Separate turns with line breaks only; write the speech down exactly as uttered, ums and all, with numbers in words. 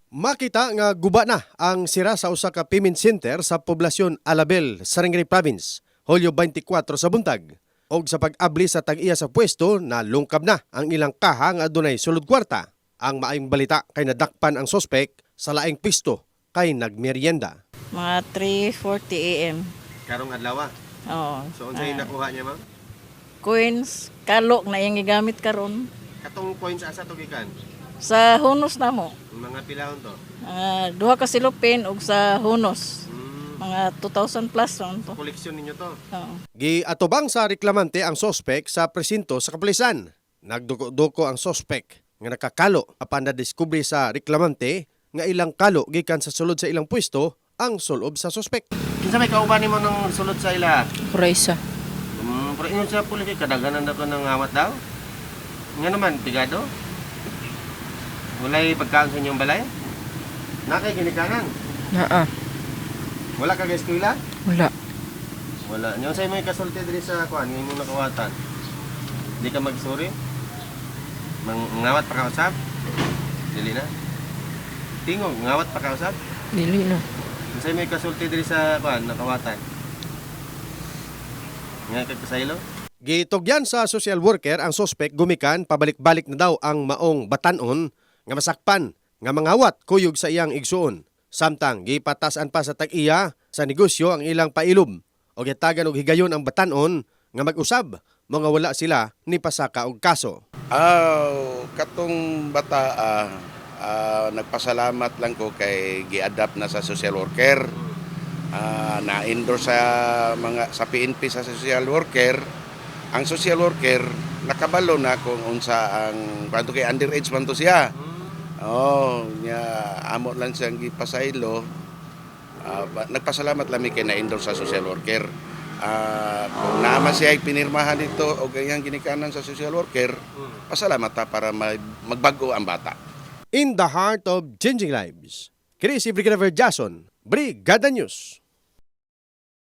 Makita nga guba na ang sira sa usa ka payment center sa poblasyon Alabel, Sarangani Province, Hulyo beintikwatro sa buntag. Og sa pag-abli sa tag-iya sa pwesto na lungkab na ang ilang kaha nga adunay sulod kwarta. Ang maayong balita kay nadakpan ang sospek sa laing pwesto kay nagmeryenda.
Mga three forty a m
Karong adlaw.
Oo.
So unsay
Ah,
nakuha niya, ma'am?
coins, kalok na yung gigamit karon
Katong coins asa to gikan?
sa hunos na mo.
Mga pilahon to.
Ah, duha ka silupin ug sa hunos.
Mm,
Mga two thousand plus ron to.
koleksyon ninyo to.
Oo.
Giatubang sa reklamante ang sospek sa presinto sa kapulisan. Nagduko-duko ang sospek nga nakakalo apan na-discover sa reklamante nga ilang kalo gikan sa sulod sa ilang pwesto ang sulob sa sospek. Kinsa may kauban nimo ng sulod sa ila?
Kuraysa.
Um, pero inyo sa pulis kay kadaganan na ko ng awat daw. Nga naman pigado. Walay pagkaon sa inyong balay? Nakay ginikanan.
Naa.
Wala ka ga eskwela?
Wala.
Wala. Nyo sa'yo may kasulti diri sa kuan, ngayon mong nakawatan. Di ka magsuri? Mang ngawat pa ka usab? Dili na. Tingog, ngawat pa ka usab?
Dili na.
Nyo sa'yo may kasulti diri sa kuan, nakawatan. Nga kag kasaylo? Gitugyan sa social worker ang sospek gumikan pabalik-balik na daw ang maong batanon nga masakpan nga mangawat kuyog sa iyang igsuon. Samtang gipatasan pa sa tag-iya sa negosyo ang ilang pailom o gitagan og higayon ang batanon nga mag-usab mga wala sila ni pasaka og kaso.
Ah, katong bata ah, ah, nagpasalamat lang ko kay gi-adapt na sa social worker. Ah, na-endorse sa mga sa P N P sa social worker. Ang social worker nakabalo na kung unsa ang kanto kay underage man to siya. Oh, nya amo lang siyang gipasaylo. Ah, ba- nagpasalamat lang mi kay na-endorse sa social worker. Ah, kung naman siya ay pinirmahan dito o ganyang ginikanan sa social worker, pasalamat ta para mag- magbago ang bata.
In the heart of changing lives, Chris Brigadier Jason, Brigada News.